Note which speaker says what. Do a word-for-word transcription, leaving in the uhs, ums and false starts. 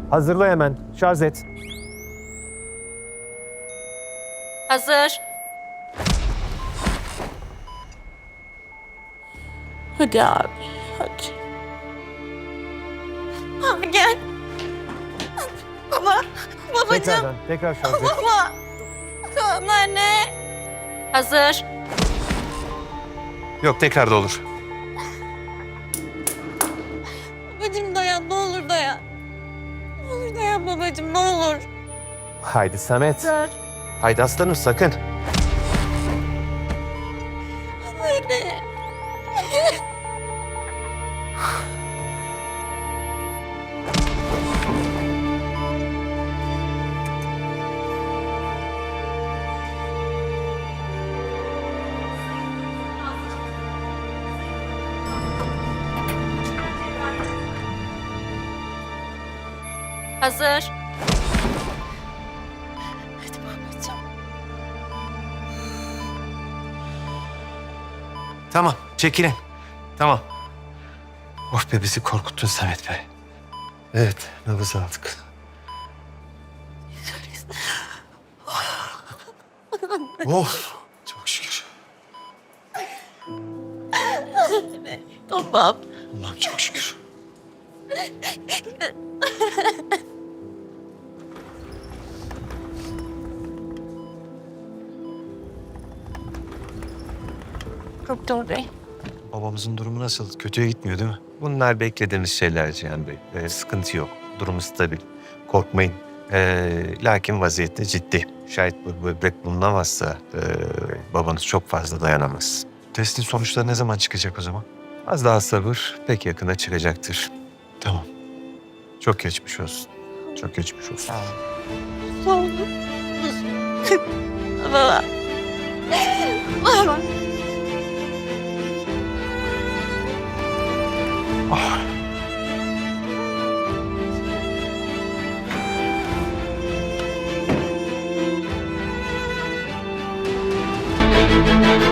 Speaker 1: Hazırla hemen. Şarj et.
Speaker 2: Hazır.
Speaker 3: Hadi abi, hadi.
Speaker 2: Abi gel. Baba. Babacığım.
Speaker 1: Tekrardan. Tekrar şarj et.
Speaker 2: Baba. Tamam anne. Hazır.
Speaker 4: Yok, tekrar da olur.
Speaker 2: Babacığım dayan, ne olur dayan. Ne olur dayan babacığım, ne olur.
Speaker 1: Haydi Samet.
Speaker 2: Hazır.
Speaker 4: Haydi aslanım, sakın.
Speaker 2: Anne. Hazır. Hadi babacığım.
Speaker 4: Tamam, çekilin. Tamam. Oh be, bizi korkuttun Samet Bey. Evet, nabız aldık. Oh, çok şükür.
Speaker 2: Tamam.
Speaker 4: Allah'ım çok şükür.
Speaker 2: Doktor Bey.
Speaker 4: Babamızın durumu nasıl? Kötüye gitmiyor değil mi? Bunlar beklediğimiz şeyler Cihan Bey. Ee, sıkıntı yok. Durumu stabil. Korkmayın. Ee, lakin vaziyette ciddi. Şayet bu böbrek bulunamazsa ee, babanız çok fazla dayanamaz. Testin sonuçları ne zaman çıkacak o zaman? Az daha sabır. Pek yakında çıkacaktır. Tamam. Çok geçmiş olsun. Çok geçmiş olsun.
Speaker 2: Sağ olun. Baba. Baba.
Speaker 4: Ah.
Speaker 2: Baba.